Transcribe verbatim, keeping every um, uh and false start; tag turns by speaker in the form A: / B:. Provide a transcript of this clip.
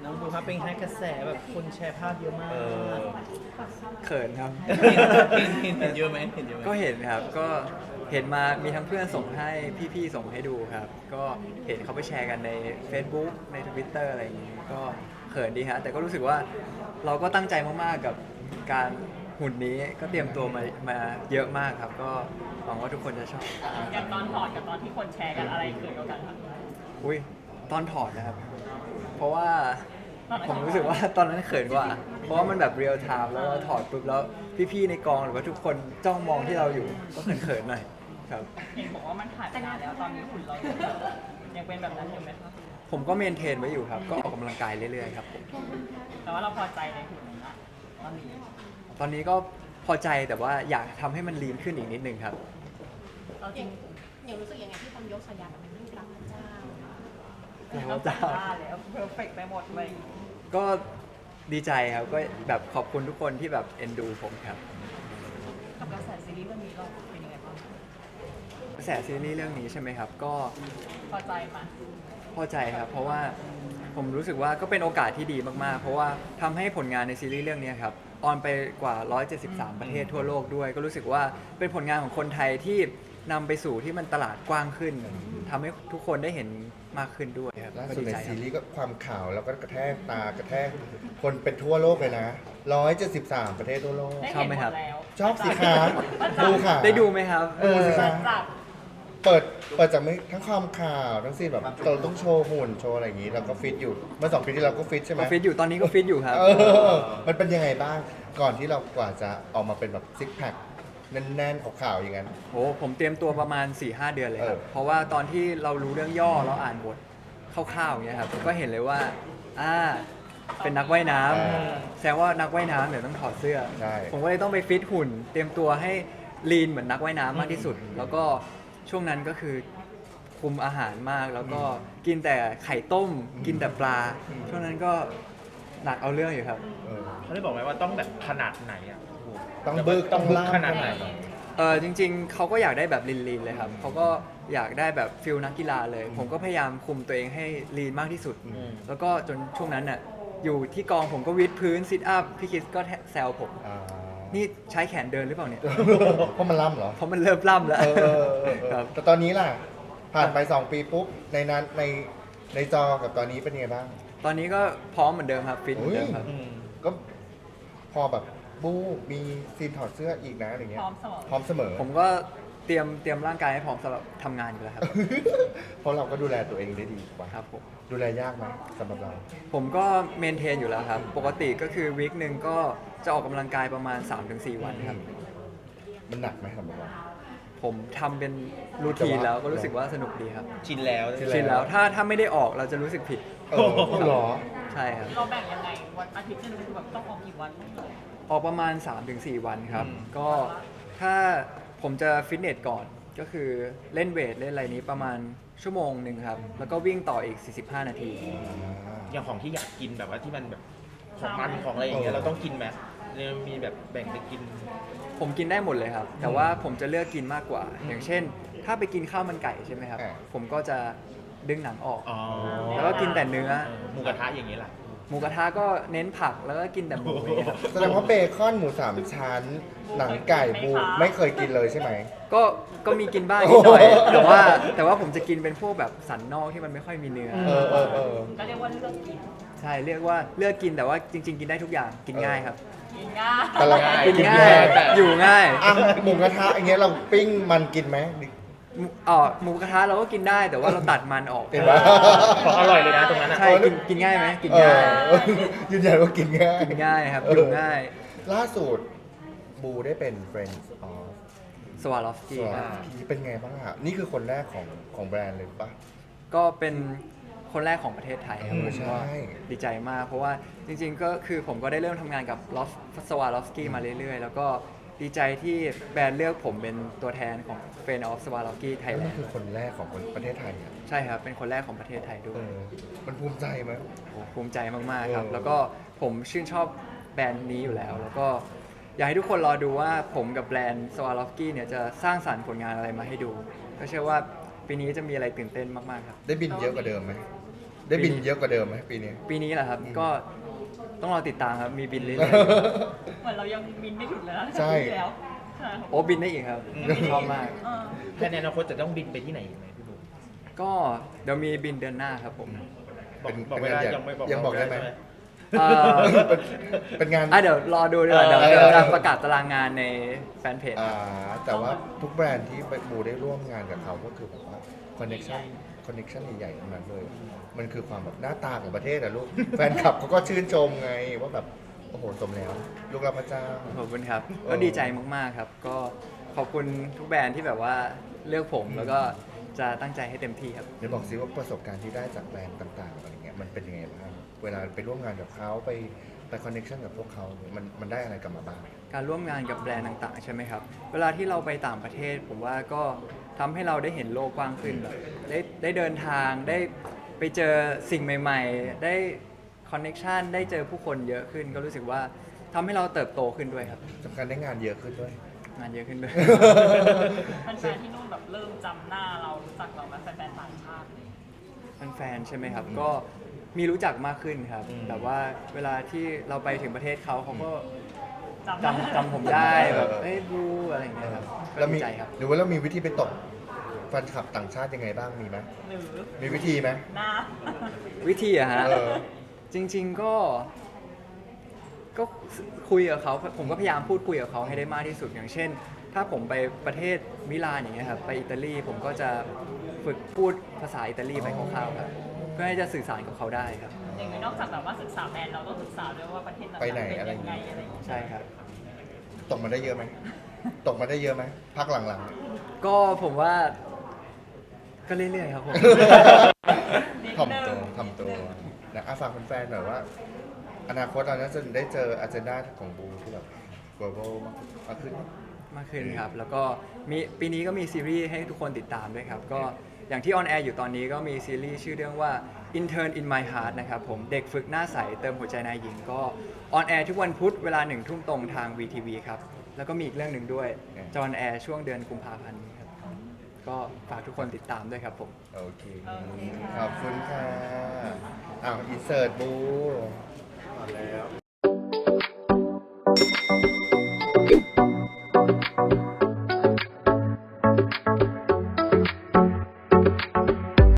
A: น้องบูครับเป็นไงกระแสแบบคนแชร์ภาพเยอะมาก
B: เออ
C: เขินครับ
A: เห็นเห็นเห็นเยอะไหมเห็นเยอะไหม
C: ก็เห็นครับ ก็เห็นมามีทั้งเพื่อนส่งให้พี่ๆส่งให้ดูครับ ก็เห็นเขาไปแชร์กันใน Facebook ใน Twitter อะไรอย่างนี้ก็เขินดีฮะแต่ก็รู้สึกว่าเราก็ตั้งใจมากๆกับการหุ่นนี้ก็เตรียมตัวมามาเยอะมากครับ ก็หวังว่าทุกคนจะชอบ
D: อย่างตอนถอดกับตอนที่คนแชร์กันอะไรเกิดกันคะ
C: อุ้ยตอนถอดนะครับ เพราะว่าผมรู้สึกว่าตอนนั้นเขินกว่า เพราะว่ามันแบบเรียลไทม์แล้วก็ถอดปุ๊บแล้วพี่ๆในกองหรือว่าทุกคนจ้องมองที่เราอยู่ก็เขินๆหน่อยครับ
D: เห็นบอกว่ามันถ่ายไปนานแล้วตอนนี้หุ่นเรายังเป็นแบบนั้นอยู่ไหมคะ
C: ผมก็เมนเทนไว้อยู่ครับ ก็ออกกำลังกายเรื่อยๆครับผม
D: แต่ว่าเราพอใจในหุ่นนั้นอะตอนนี้
C: ตอนนี้ก็พอใจแต่ว่าอยากทำให้มันลีนขึ้นอีกนิดนึงครับ
D: เราจริง
E: อย่างรู้สึกยังไงที่คนยกฉายาแบบเป็นรูปรักพระเจ้า
D: เราจ้าแล้วเพอร์เฟกไปหมดเลย
C: ก็ดีใจครับ ก็แบบขอบคุณทุกคนที่แบบเอ็นดูผมครับ
D: กับกระแสซีรีส์เรื่องนี้เราเป็นยังไงบ้าง
C: กระแสซีรีส์เรื่องนี้ใช่ไหมครับ ก็
D: พอใจไหม
C: พอใจครับ เพราะว่าผมรู้สึกว่าก็เป็นโอกาสที่ดีมากๆ เพราะว่าทำให้ผลงานในซีรีส์เรื่องนี้ครับออนไปกว่า หนึ่งร้อยเจ็ดสิบสาม ประเทศทั่วโลกด้วย ก็รู้สึกว่าเป็นผลงานของคนไทยที่นำไปสู่ที่มันตลาดกว้างขึ้นทำให้ทุกคนได้เห็นมากขึ้นด้วยครับ
B: ล่า
C: ก็
B: สุด
C: ดี
B: ใน
C: ใจค
B: ซี
C: รับ
B: รีส์ก็ความข่าวแล้วก็กระแทกตากระแทกคนเป็นทั่วโลกเลยนะร้อยเจ็ดสิบสามประเทศทั่วโลก
D: ได้เห็นหมดแล้ว
B: ชอบสิคะดูค่ะ
C: ได้ดูไหมครับ
B: ดูสิคะ
D: จับ
B: เปิดเปิดจากไม่ทั้งความข่าวทั้งซีนแบบเราต้องโชว์หุ่นโชว์อะไรอย่างนี้เราก็ฟิตอยู่เมื่อสองปีที่เราก็ฟิตใช่ไหม
C: ก็ฟิตอยู่ตอนนี้ก็ฟิตอยู่ครับ
B: เออมันเป็นยังไงบ้างก่อนที่เรากว่าจะออกมาเป็นแบบซิกแพคแน่นๆขาวๆอย่างนั้น
C: โอ้ผมเตรียมตัวประมาณ สี่ห้า เดือนเลยครับ
B: เออ
C: เพราะว่าตอนที่เรารู้เรื่องย่อเราอ่านบทคร่าวๆอย่างเงี้ยครับก็เห็นเลยว่าอ่าเป็นนักว่ายน้ำแสดงว่านักว่ายน้ำเดี๋ยวต้องถอดเสื้อ
B: ใช่
C: ผมก็เลยต้องไปฟิตหุ่น เตรียมตัวให้ลีนเหมือนนักว่ายน้ำมากที่สุด แล้วก็ช่วงนั้นก็คือคุมอาหารมาก แล้วก็กินแต่ไข่ต้ม กินแต่ปลา ช่วงนั้นก็หนักเอาเรื่องอยู่ครับ
B: เออ
A: เขาได้บอกไหมว่าต้องแบบขนาดไหนอ่ะ
B: ต้องบึกต้องล่าม
A: ขนาดไหน
C: เออจริงๆ เขาก็อยากได้แบบลีนๆเลยครับ เขาก็อยากได้แบบฟิลนักกีฬาเลย ผมก็พยายามคุมตัวเองให้ลีนมากที่สุด
A: อืม
C: แล้วก็จนช่วงนั้นน่ะอยู่ที่กองผมก็วิดพื้นซิทอัพ พี่คิสก็แซวผม
B: อ่า
C: นี่ใช้แขนเดินหรือเปล่าเนี่ย
B: เพราะมันล่ำเหรอ
C: เพราะมันเริ่มล่ำแล้ว
B: เออเออเออเออ
C: ครับ
B: แต่ตอนนี้ล่ะ ผ่านไปสองปีปุ๊บในนั้นในในจอกับตอนนี้เป็นยังไงบ้าง
C: ตอนนี้ก็พร้อมเหมือนเดิมครับฟิตเหมือนเดิมครับ
A: อืม
B: ก็พอแบบบู๊มีซีนถอดเสื้ออีกนะอะไรเงี้
D: พ
B: ย
D: ร้อมเสมอ
B: พร้อมเสมอ
C: ผมก็เตรียมเตรียมร่างกายให้พร้อมสำหรับทำงานอยู่แล้วครับ
B: เพราะเราก็ดูแลตัวเองได้ดีกว่า
C: ครับผม
B: ดูแลยากไหมสำหรับเรา
C: ผมก็เมนเทนอยู่แล้วครับ ปกติก็คือวีคหนึ่งก็จะออกกำลังกายประมาณ สามถึงสี่ วันครับ
B: มันหนักไหมสำหรับเรา
C: ผมทำเป็นรูทีนแล้วก็รู้สึกว่าสนุกดีครับ
A: ชินแล้ว
B: ชิน
C: ชินแล้วถ้าถ้าไม่ได้ออกเราจะรู้สึกผิด
B: เออเหรอ
C: ใช่ครับ
D: เราแบ่งยังไงวันอาทิตย์หนึงคือแบบต้องออกกี่วัน
C: ออกประมาณ สามถึงสี่ วันครับ
A: อืม
C: ก็ถ้าผมจะฟิตเนสก่อนก็คือเล่นเวทเล่นอะไรนี้ประมาณชั่วโมงหนึ่งครับ แล้วก็วิ่งต่ออีก สี่สิบห้า นาที
A: อย่างของที่อยากกินแบบว่าที่มันแบบของมันของอะไรอย่างเงี้ย
B: เออ
A: เราต้องกินไหมเนี่ยมีแบบแบ่งไปกิน
C: ผมกินได้หมดเลยครับ แต่ว่าผมจะเลือกกินมากกว่า อย่างเช่น ถ้าไปกินข้าวมันไก่ใช่ไหมครับ
B: อ่า
C: ผมก็จะดึงหนังออก
A: อ๋อ
C: แล้วก็กินแต่เนื้อ
A: เออหมูกระทะอย่างเงี้ยแหละ
C: หมูกระทะก็เน้นผักแล้วก็กินแต่หมูอย่างเงี้ยครับ
B: แสดงว่าเบคอนหมูสามชั้น หนังไก่บูไม่เคยกินเลยใช่ไหม
C: ก็ก็มีกินบ้างนิดหน่อย แต่ว่าแต่ว่าผมจะกินเป็นพวกแบบสันนอกที่มันไม่ค่อยมีเนื้อ
B: เออเออเออ
D: ก็เรียกว่าเลือกกิน
C: ใช่เรียกว่าเลือกกินแต่ว่าจริง ๆ กินได้ทุกอย่างกินง่ายครับ
D: กินง่าย
B: แต่เรา
C: กิน
B: กิน
C: ง่าย
B: แต่
C: อยู่ง่าย
B: อ่ะหมูกระทะอย่างเงี้ยเราปิ้งมันกินไหม
C: หมูอ๋อหมูกระทะเราก็กินได้แต่ว่าเราตัดมันออก
B: เห็นปะ
A: ของอร่อยเลยนะตรงนั้นอ่ะ
C: ใช่กินกินง่ายไหมกิน
B: เอ
C: ง่าย
B: อยืนยันว่ากินง่าย
C: กินง่ายครับ
B: เออ
C: อยู่ง่าย
B: ล่าสุดบูได้เป็น Friends of
C: สวาลอฟสกี้ครับ
B: Swarovski เป็นไงบ้างอะนี่คือคนแรกของของแบรนด์เลยปะ
C: ก็เป็นคนแรกของประเทศไทยครับ
B: เออ
C: ผม
B: ใช่
C: ก็ดีใจมาก เพราะว่าจริงๆก็คือผมก็ได้เริ่มทำงานกับลอฟสวาลอฟสกี้มาเรื่อยๆ แล้วก็ดีใจที่แบรนด์เลือกผมเป็นตัวแทนของ Friend of Swarovski ไทย
B: แล้ว
C: แล
B: มัน
C: น
B: คือ
C: ด์
B: คนแรกของคนประเทศไทยอะ
C: ใช่ครับ เป็นคนแรกของประเทศไทยด้
B: เอ
C: วย
B: อมันภูมิใจไหม
C: โอ้ภูมิใจมากๆครับ
B: เออ
C: แล้วก็ผมชื่นชอบแบรนด์นี้อยู่แล้ว แล้วก็อยากให้ทุกคนรอดูว่าผมกับแบรนด์ Swarovski เนี่ยจะสร้างสรรค์ผลงานอะไรมาให้ดู ก็เชื่อว่าปีนี้จะมีอะไรตื่นเต้นมากๆครับ
B: ได้บินเยอะกว่าเดิมไหมได้บินเยอะกว่าเดิมไหมปีนี้
C: ปีนี้แหละครับก็ต้องรอติดตามครับมีบินเรื่อย
D: เหมือนเรายังบินไม่ถึงเลยนะ
B: ใช่
D: ปีที่แล้วใช่
C: ๆโอ้บินได้อีกครับชอบมาก
D: เออ
A: แค่ในอนาคตจะต้องบินไปที่ไหนยังไงพี่บูม
C: ก็เดี๋ยวมีบินเดือนหน้าครับผม
A: บอก
B: เป็น
A: บอก
B: เป็น
A: เวลา
B: งานใหญ่
A: ยังไม่บอก
B: ยังบอกได้ไหม
A: ใช่
C: เอ่อ
B: เป็นงาน
C: อ่ะเดี๋ยวรอดูดีกว่า
A: เออ
C: เดี๋ยวเดี๋ยวจะประกาศตารางงานในแฟนเพจ
B: อ่าแต่ว่าทุกแบรนด์ที่บูได้ร่วมงานกับเขาก็คือแบบว่าคอนเน c ชั่นคอนเน c ชั่นใหญ่ๆทั้งนั้นเลย มันคือความแบบหน้าตาของประเทศอะลูก แฟนคลับเขาก็ชื่นชมไงว่าแบบโอ้โหสมแล้ว ลูกรับพระเจ้า
C: ขอบคุณครับ
B: เออ
C: ก็ดีใจมากๆครับ ก็ขอบคุณทุกแบรนด์ที่แบบว่าเลือกผมแล้วก็จะตั้งใจให้เต็มที่ครับ
B: เดี๋ยวบอกซิว่าประสบการณ์ที่ได้จากแบรนด์ต่างๆอะไรเงี้ยมันเป็นยังไงบ้างเวลาไปร่วมงานกับเขาไปไปคอนเน c ชั่นกับพวกเขาเนี่ยมันมันได้อะไรกลับมาบ้าง
C: การร่วมงานกับแบรนด์ต่างๆใช่ไหมครับ เวลาที่เราไปต่างประเทศ ผมว่าก็ทำให้เราได้เห็นโลกกว้างขึ้นแบบได้ได้เดินทางได้ไปเจอสิ่งใหม่ ๆ ได้คอนเน็ชันได้เจอผู้คนเยอะขึ้น ก็รู้สึกว่าทำให้เราเติบโตขึ้นด้วยครับ
B: สำคัญได้งานเยอะขึ้นด้วย
C: งานเยอะขึ้นด้วย
D: แฟนๆที่นู่นแบบเริ่มจำหน้าเรารู้จักเราไหมแฟนๆต่างชาติเลย
C: แฟนๆใช่ไหมครับ ก็มีรู้จักมากขึ้นครับ
A: อืม
C: แต่ว่าเวลาที่เราไปถึงประเทศเขาเขาก็
D: จำได้
C: จำจำผมได้แบบเอ้ยบูอะไรอย่างเงี้ยครับก็
B: แล้วมี
C: ดีใจครับ
B: หรือว่าเรามีวิธีไปตกแฟนคลับต่างชาติยังไงบ้างมีไหม
D: หรือ
B: มีวิธีไหม
D: หน้า
C: วิธีอะฮะ
B: เออ
C: จริง ๆ ก็ ก็คุยกับเขาผมก็พยายามพูดคุยกับเขาให้ได้มากที่สุดอย่างเช่น ถ้าผมไปประเทศมิลานอย่างเงี้ยครับไปอิตาลีผมก็จะฝึกพูดภาษาอิตาลีไปคร่าวๆครับเพื่อให้จะสื่อสารกับเขาได้ครับ
D: อย่างนี้นอกจากแบบว่าศึกษาแบรนด์เราต้องศึกษาด้วยว่าประเทศนั้น
B: ไปไหน
D: เป็น
B: อะไร
D: ยังไงอะไรอย่างเงี้ย
C: ใช่ครับ
B: ตกมาได้เยอะไหม ตกมาได้เยอะไหมพักหลัง
C: ก็ผมว่า ก็เรื่อยๆครับผม
B: ๆถ่อมตัวถ่อมตัวนะอ่ะฝากแฟนๆหน่อยว่า อนาคตเราน่าจะได้เจออาเจนดาของบูที่แบบ global มากขึ้น
C: มากขึ้นครับ แล้วก็มีปีนี้ก็มีซีรีส์ให้ทุกคนติดตามด้วยครับ ก็อย่างที่ออนแอร์อยู่ตอนนี้ก็มีซีรีส์ชื่อเรื่องว่า Intern in My Heart นะครับผมเด็กฝึกหน้าใสเติมหัวใจนายหญิงก็ออนแอร์ทุกวันพุธเวลาหนึ่งทุ่มตรงทาง วี ที วี ครับ แล้วก็มีอีกเรื่องหนึ่งด้วยจะออนแอร์ช่วงเดือนกุมภาพันธ์นี้ครับ ก็ฝากทุกคนติดตามด้วยครับผม
B: โอเค
D: โอเค
B: ขอบคุณค่ะ อ้าวอินเสิร์ตบู